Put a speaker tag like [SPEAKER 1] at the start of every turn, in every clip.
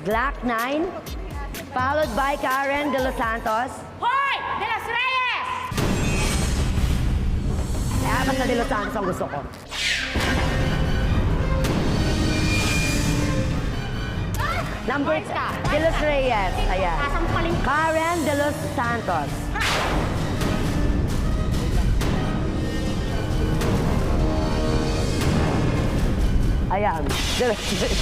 [SPEAKER 1] Glock 9, followed by Karen De Los Santos.
[SPEAKER 2] Hoy! De Los Reyes!
[SPEAKER 1] Apat na De Los Santos ang gusto ko. Number De Los Reyes. Ayan. Karen De Los Santos. Ayan. De Los Reyes.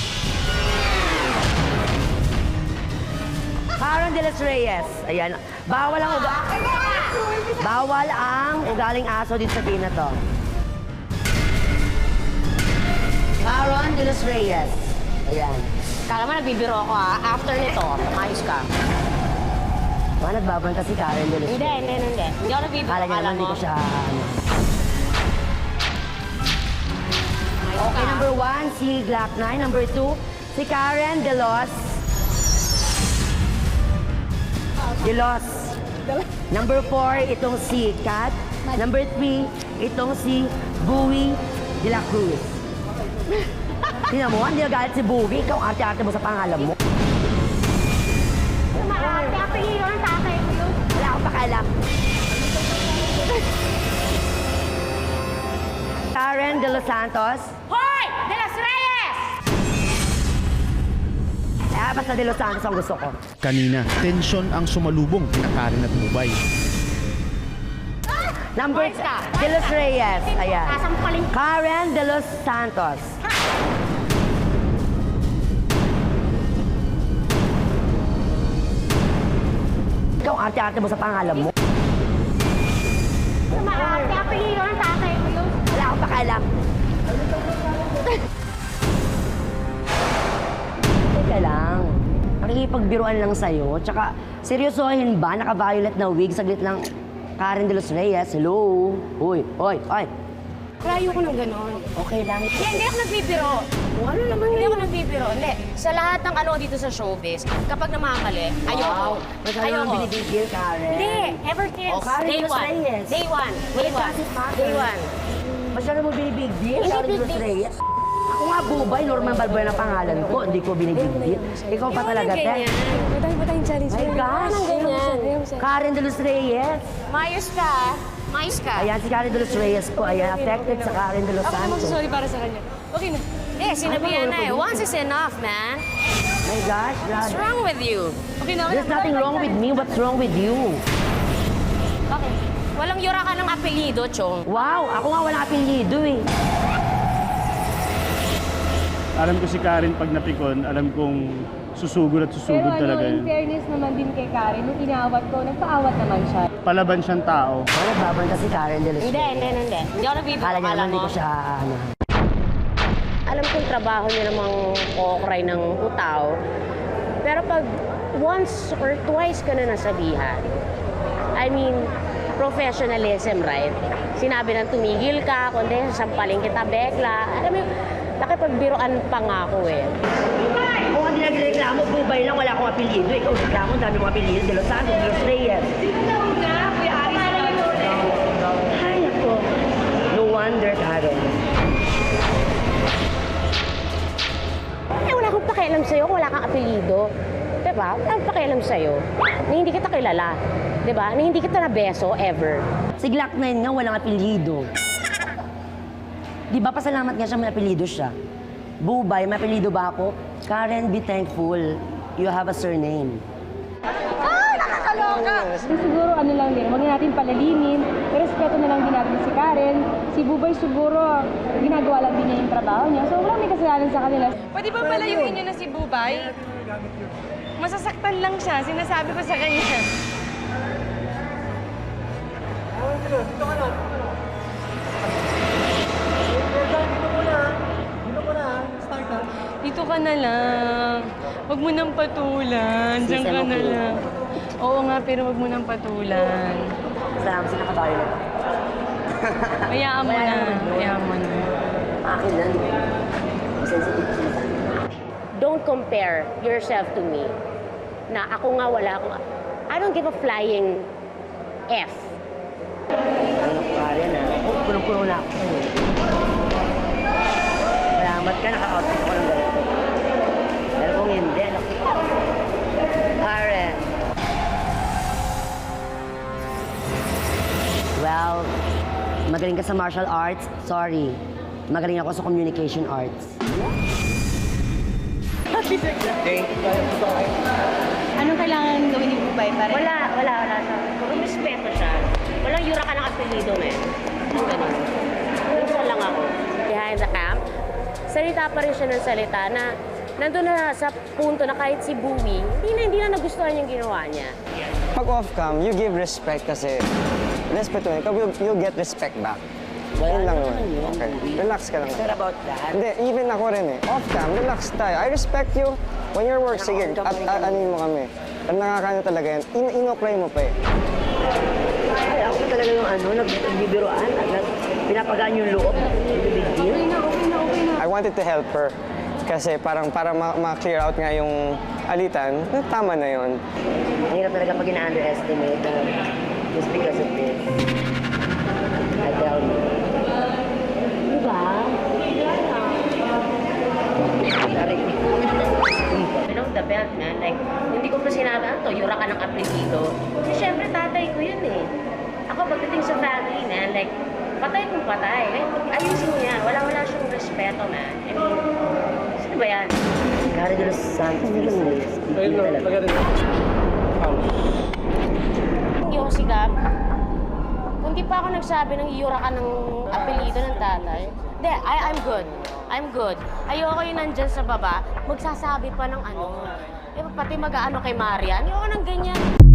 [SPEAKER 1] Karen De Los Reyes. Ayan. Bawal ang ugaling aso dito sa team na to. Karen De Los Reyes. Ayan.
[SPEAKER 2] Kala mo nagbibiro ako After nito, ayos ka.
[SPEAKER 1] Nagbabanta si Karen De Los Reyes.
[SPEAKER 2] Hindi. Hindi ako nagbibiro.
[SPEAKER 1] Kala niya naman hindi ko siya
[SPEAKER 2] Ayos
[SPEAKER 1] Okay,
[SPEAKER 2] ka.
[SPEAKER 1] number 1, si Glock 9. Number 2, si Karen De Los. Number 4, itong si Kat. Number 3, itong si Bowie De La Cruz. Tingnan mo, hindi nagalit si Bowie. Ikaw arte-arte mo sa pangalan mo.
[SPEAKER 2] Maarte, apelido ng tatay ko yun.
[SPEAKER 1] Wala akong pakialam. Karen De Los Santos.
[SPEAKER 2] Hoy! De Los Reyes!
[SPEAKER 1] Basta De Los Santos ang gusto ko.
[SPEAKER 3] Kanina, tensyon ang sumalubong kina Karen at Bubay.
[SPEAKER 1] Number De Los Reyes. Ayan. Karen De Los Santos. Ikaw arte-arte mo sa pangalan mo.
[SPEAKER 2] Maarte, apelido ng tatay ko yun.
[SPEAKER 1] Wala akong pakialam. Teka lang. Nakikipagbiruan lang sa'yo. Tsaka, seryosohin ba? Naka-violet na wig. Saglit lang. Karen De Los Reyes. Hello? Uy.
[SPEAKER 2] Layo ko ng ganon.
[SPEAKER 1] Okay lang.
[SPEAKER 2] Hindi ako nagbibiro.
[SPEAKER 1] Ano naman
[SPEAKER 2] Hindi ako nagbibiro. Hindi. Sa lahat ng ano dito sa showbiz, kapag namamali, ayoko.
[SPEAKER 1] Masyado naman binibigil, Karen.
[SPEAKER 2] Hindi. Ever since
[SPEAKER 1] Karen
[SPEAKER 2] day
[SPEAKER 1] De Los
[SPEAKER 2] one.
[SPEAKER 1] Reyes.
[SPEAKER 2] Day one. Day one. Day one.
[SPEAKER 1] Masyado mo binibigil,
[SPEAKER 2] Hindi
[SPEAKER 1] Karen De Los
[SPEAKER 2] big deal.
[SPEAKER 1] Reyes. Ako nga, Bubay, Norman Balbuena ang pangalan ko. Hindi ko binibigil. Ikaw pa talaga, te.
[SPEAKER 4] Patay challenge.
[SPEAKER 1] My gosh. Karen De Los Reyes.
[SPEAKER 2] Mayos ka. Mayos ka.
[SPEAKER 1] Ayan, si Karen De Los Reyes po. Ayan, affected sa Karen De Los
[SPEAKER 4] Ako
[SPEAKER 1] Santos.
[SPEAKER 4] magsasorry para sa kanya. Okay na.
[SPEAKER 2] Hindi, sinabihan na eh. Once is enough, man.
[SPEAKER 1] My gosh,
[SPEAKER 2] What's
[SPEAKER 1] grabe.
[SPEAKER 2] wrong with you?
[SPEAKER 4] Okay na.
[SPEAKER 1] There's nothing wrong with me. What's wrong with you?
[SPEAKER 2] Okay. Walang yura ka ng apelido, Chong.
[SPEAKER 1] Wow, ako nga walang apelyido eh.
[SPEAKER 3] Alam ko si Karen pag napikon, alam kong susugod at susugod
[SPEAKER 4] Pero
[SPEAKER 3] talaga
[SPEAKER 4] in
[SPEAKER 3] yun.
[SPEAKER 4] fairness naman din kay Karen, nung inaawat ko, nagpaawat naman siya.
[SPEAKER 3] Palaban siyang tao.
[SPEAKER 1] Nagbabanta si Karen De Los
[SPEAKER 2] Hindi.
[SPEAKER 1] Reyes.
[SPEAKER 2] Hindi ako nagbibiro.
[SPEAKER 1] Kala niya naman hindi ko siya
[SPEAKER 2] Alam kong trabaho niya namang kukray ng utaw. Pero pag once or twice ka na nasabihan, I mean, professionalism, right? Sinabi nang tumigil ka, kundi sasampalin kita, bekla. Alam mo, nakipagbiroan pa nga ako eh.
[SPEAKER 1] Kung hindi nagreklamo, Bubay lang, wala akong apelyido. Ikaw reklamo, ang dami mong apelyido. De Los Santos, De Los Reyes. Ay, ako. No wonder, Karen.
[SPEAKER 2] Eh, wala akong pakialam sa'yo kung wala kang apelido. Diba? Wala akong pakialam sa'yo. Na hindi kita kilala. Diba? Na hindi kita nabeso ever.
[SPEAKER 1] Si Glock 9 nga, walang apelyido. Di ba, pasalamat nga siya, may apelyido siya. Bubay, may apelyido ba ako? Karen, be thankful. You have a surname.
[SPEAKER 4] Siguro ano lang din, huwag natin palalimin, respeto na lang din natin si Karen. Si Bubay siguro, ginagawa lang din niya yung trabaho niya. So wala may kasalanan sa kanila. Pwede ba palayuin niyo na si Bubay? Masasaktan lang siya, sinasabi ko sa kanya. Dito ka na lang. Huwag mo nang patulan. Diyan ka na lang. Oo nga, pero huwag mo nang patulan.
[SPEAKER 1] Salamat sa nakabayo.
[SPEAKER 4] Hayaan mo na. Hayaan mo na.
[SPEAKER 1] Akin lang. Sensitive siya sa akin.
[SPEAKER 2] Don't compare yourself to me. Na ako nga wala akong... I don't give a flying F.
[SPEAKER 1] Ano, Karen, ah. Punong-puno na ako. Salamat ka, naka-outfit ako ng ganito. Pero kung hindi, ano magaling ka sa martial arts, sorry. Magaling ako sa communication arts.
[SPEAKER 4] Anong kailangan gawin ni Bubay para?
[SPEAKER 2] Wala siya. Kung respeto siya, walang yura ka ng apelido, men. Ang ganun. Minsan lang ako. Behind the camp, salita pa rin siya ng salita na nandun na sa punto na kahit si Bowie, hindi na nagustuhan yung ginawa niya.
[SPEAKER 5] Pag off-cam, you give respect kasi respeto mo, you'll get respect back. Yun lang naman. Okay. Relax ka lang.
[SPEAKER 1] Sure about that?
[SPEAKER 5] Hindi, even ako rin eh. Off-cam, relax tayo. I respect you. When you're work, sige, anin mo kami. Ang nakakano talaga yan, in-apply mo pa eh.
[SPEAKER 1] Ay, ako talaga yung nagbibiroan at pinapagaan yung loob. Big deal.
[SPEAKER 5] I wanted to help her. Kasi parang para ma-clear out nga yung alitan, tama na yun.
[SPEAKER 1] Ang hirap talaga pag ina-underestimate just because of this. I tell you.
[SPEAKER 2] Diba? Below the belt, man. Like, hindi ko pa sinabi, yura ka ng apelido. Kasi syempre, tatay ko yun eh. Ako, pagdating sa family, man, like, patay kung patay. Ayusin mo yan. Wala siyang respeto, man. I mean, sino ba yan?
[SPEAKER 1] Gary de los Santos, big deal talaga.
[SPEAKER 2] Hindi ako sigap. Kung di pa ako nagsabi ng iyura ka ng apelido ng tatay, hindi, I'm good. I'm good. Ayoko yung nandyan sa baba, magsasabi pa ng ano. Eh, pati mag-aano kay Marian. Ayoko ng ganyan.